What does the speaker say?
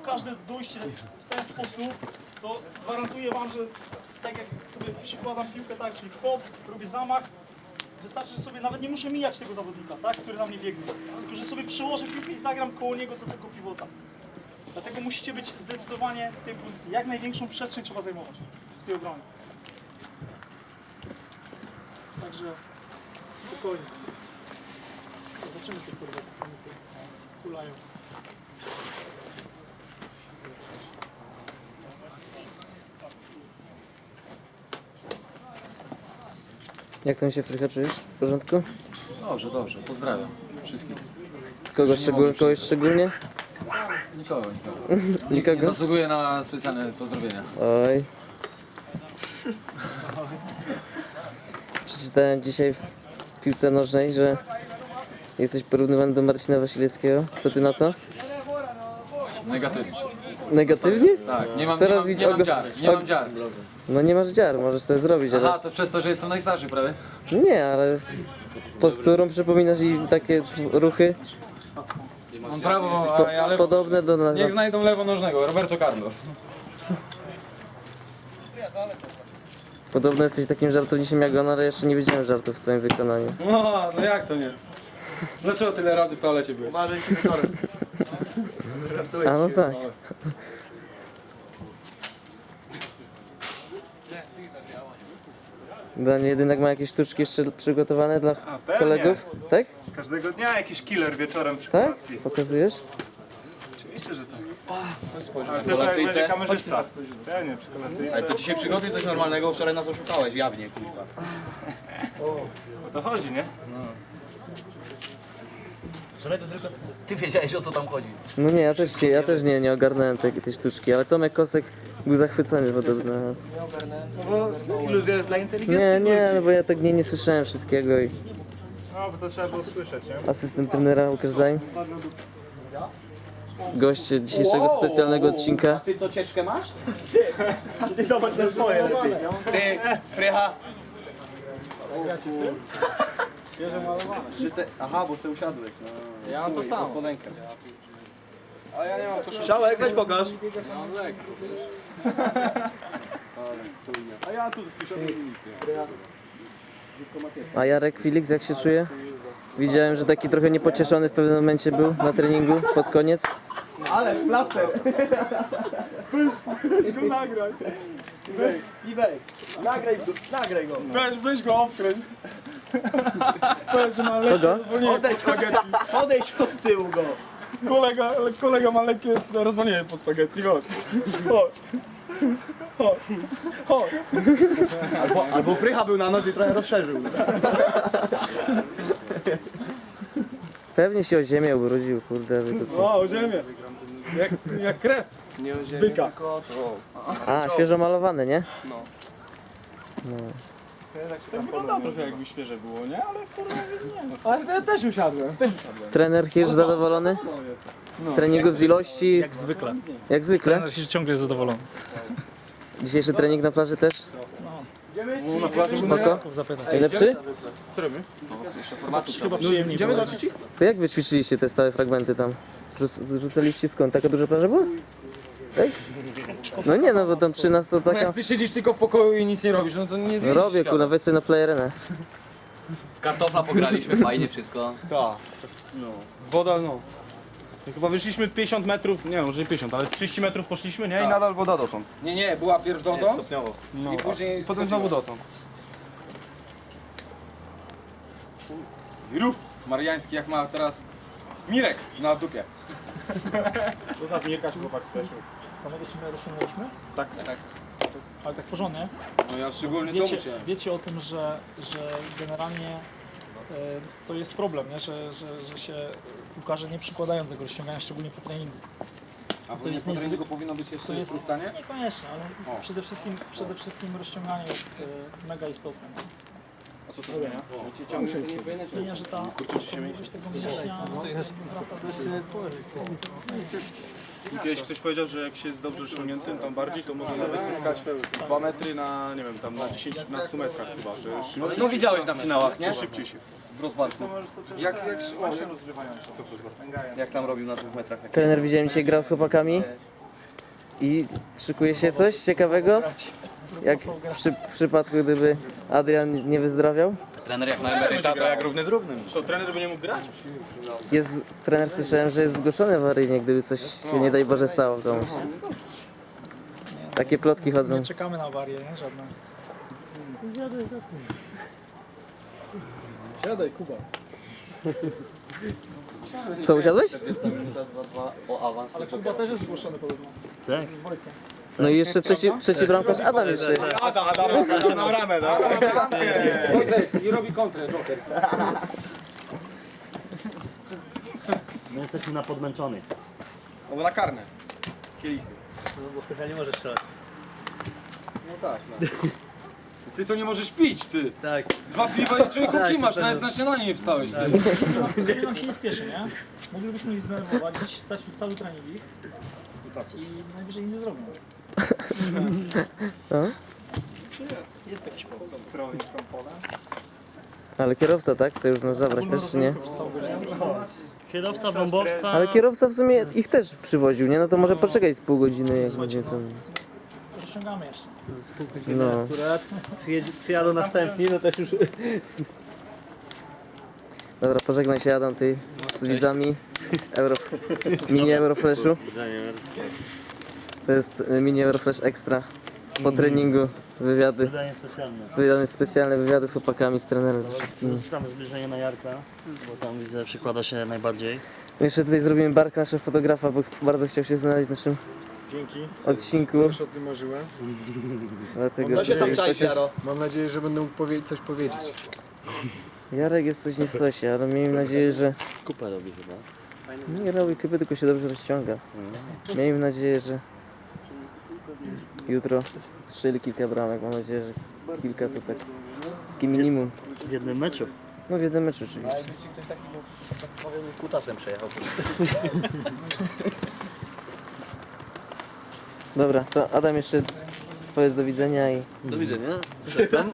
każde dojście w ten sposób, to gwarantuję wam, że tak jak sobie przykładam piłkę, tak, czyli hop, robię zamach, wystarczy, że sobie nawet nie muszę mijać tego zawodnika, tak, który na mnie biegnie, tylko że sobie przyłożę piłkę i zagram koło niego do tego pivota. Dlatego musicie być zdecydowanie w tej pozycji. Jak największą przestrzeń trzeba zajmować w tej obronie. Także spokojnie. Zobaczymy te kurwa, co mi tu kulają. Jak tam się Frycha czujesz? W porządku? Dobrze, dobrze. Pozdrawiam wszystkich. Kogoś szczególnie? Nikogo. Nie Nikogo? zasługuję na specjalne pozdrowienia. Oj. Przeczytałem dzisiaj w piłce nożnej, że jesteś porównywany do Marcina Wasilewskiego. Co ty na to? Negatywnie. Negatywnie? Tak, nie mam dziar. No nie masz dziar, możesz sobie zrobić, ale... Aha, to przez to, że jestem najstarszy, prawda? Nie, ale posturą przypominasz i takie ruchy Mam prawo, a ja lewo. podobne do... Niech znajdą lewonożnego, Roberto Carlos. Podobno jesteś takim żartownikiem jak on, ale jeszcze nie widziałem żartów w twoim wykonaniu. No jak to nie? Dlaczego tyle razy w toalecie byłeś? Uważaj się wieczorem. A no tak. Daniel Jedynak ma jakieś sztuczki jeszcze przygotowane dla pewnie. kolegów? Tak? Każdego dnia jakiś killer wieczorem przy Tak? kolacji. Pokazujesz? Oczywiście, że tak. Ale tutaj będzie kamerzysta. Pewnie, przy kolacyjce. Ale to dzisiaj przygotuj coś normalnego, wczoraj nas oszukałeś, jawnie, kurwa. O to chodzi, nie? Wczoraj to tylko ty wiedziałeś, o co tam chodzi. No nie, ja też nie ogarnąłem tej sztuczki, ale Tomek Kosek był zachwycony podobno. No bo iluzja jest dla inteligentnych Nie, no bo ja tak nie słyszałem wszystkiego i No, bo to trzeba było słyszeć, nie? asystent trenera Łukasz Zajm. Gość dzisiejszego specjalnego odcinka. Ty co, cieczkę masz? Ty zobacz na swoje lepiej. Ty, Frycha. Świeże malowane. Aha, bo sobie usiadłeś. No. Ja mam to samo. Spodenkę. A ja nie mam koszulki. Szałek, weź pokaż. A ja tu słyszałem nic. A Jarek Felix jak się czuje? Widziałem, że taki trochę niepocieszony w pewnym momencie był na treningu pod koniec. Ale plaster. Weź go nagraj. Iwej, nagraj go. Weź go obkręć. Powiedz, że ma lekkie rozwolnienie pod spaghetti. Odejdź od tyłu go. Kolega ma lekkie rozwolnienie pod spaghetti. Chodź. Chodź. Albo Frycha był na noc i trochę rozszerzył. Pewnie się o ziemię ubrudził, kurde. O ziemię. Jak krew. Byka. A, świeżo malowane, nie? To wygląda trochę jakby świeże było, nie? Ale kurwa nie. Ale ja też usiadłem. Trener Hirsch zadowolony? Z treningu, z ilości? Jak zwykle. Jak zwykle? Trener się ciągle jest zadowolony. Dzisiejszy trening na plaży też? Na plaży Spoko? zapytać. Najlepszy? Chyba przyjemniej było. To jak wyćwiczyliście te stałe fragmenty tam? Rzucaliście skąd? Taka duża plaża była? Tak? No nie, no bo tam przy nas to taka... Jak ty siedzisz tylko w pokoju i nic nie robisz, no to nie zmienisz Robię, kurwa, weź sobie na playerę. Kartofla pograliśmy, fajnie wszystko. Tak. Woda, no. I chyba wyszliśmy 50 metrów, nie może nie 50, ale 30 metrów poszliśmy, nie? I nadal woda dotąd. Nie, była pierw dotąd Stopniowo. No. i później Potem znowu dotąd. Rów mariański jak ma teraz Mirek na dupie. To za Mirka się chłopak speszył. Panowie, czy my rozciągnęliśmy? Tak. Ale tak porządnie. No ja szczególnie to musiałem. Wiecie o tym, że generalnie to jest problem, nie? Że się piłkarze nie przykładają do tego rozciągania, szczególnie po treningu. A to to jest jest treningu powinno być To jeszcze jest pytanie? niekoniecznie, ale przede wszystkim rozciąganie jest mega istotne. Nie? A co to zmienia? Zmienia, że ta możliwość tego mięśnia wraca do... Kiedyś ktoś powiedział, że jak się jest dobrze rozciągniętym tam bardziej, to można nawet zyskać 2 metry na, nie wiem, tam na 10, na 100 metrach chyba, że szybciej. No widziałeś na finałach, nie? Szybciej się. W rozwarstwie. Jak tam robił na 2 metrach? Trener widziałem dzisiaj grał z chłopakami. I szykuje się coś ciekawego? Jak w przypadku, gdyby Adrian nie wyzdrowiał? Trener jak na emeryta, to jak równy z równym. Co, trener by nie mógł grać? Jest, trener słyszałem, że jest zgłoszony awaryjnie, gdyby coś się nie daj Boże stało komuś. Takie plotki chodzą. Nie czekamy na awarię, nie? Żadne. Siadaj, Kuba. Co, usiadłeś? Ale Kuba też jest zgłoszony podobno. Tak? Z Wojtkiem. No i jeszcze trzeci bramkarz Adam jeszcze. Adam na bramę, no. I robi kontrę, Joker. My jesteśmy na podmęczonych. Albo na karne. Kielichy. Ty to nie możesz pić, ty. Tak. 2 piwa i człowieku kimasz, nawet na śniadanie nie wstałeś. Jeżeli nam się nie spieszy, nie? Moglibyśmy ich zdenerwować, stać tu cały trening ich i najwyżej nic nie zrobią. No. Jest jakiś powód. Ale kierowca, tak? Chce już nas zabrać też, czy nie? Przez całą godzinę. Kierowca, bombowca. Ale kierowca w sumie ich też przywoził, nie? No to może poczekać z pół godziny, jak będzie co. Rozciągamy jeszcze. No. Przyjadą następni, no też już... Dobra, pożegnaj się Adam, ty z widzami mini Euroflashu. To jest mini Euroflash Extra. Po treningu wywiady, Wydanie specjalne. specjalne wywiady z chłopakami, z trenerem, ze wszystkimi. Tam zbliżenie na Jarka, bo tam widzę przykłada się najbardziej. Jeszcze tutaj zrobimy bark naszego fotografa, bo bardzo chciał się znaleźć w naszym Dzięki. odcinku. Już o tym marzyłem. Dlatego Co się tam tutaj czai, chociaż Jaro? Mam nadzieję, że będę mógł coś powiedzieć. Jarek jest coś nie w sosie, ale miejmy nadzieję, że Kupę robi chyba. nie robi kupy, tylko się dobrze rozciąga. Miejmy nadzieję, że jutro strzeli kilka bramek. Mam nadzieję, że kilka to tak takie minimum. W jednym meczu. No w jednym meczu oczywiście. Kutasem przejechał. Dobra, to Adam jeszcze powiedz do widzenia i Do widzenia.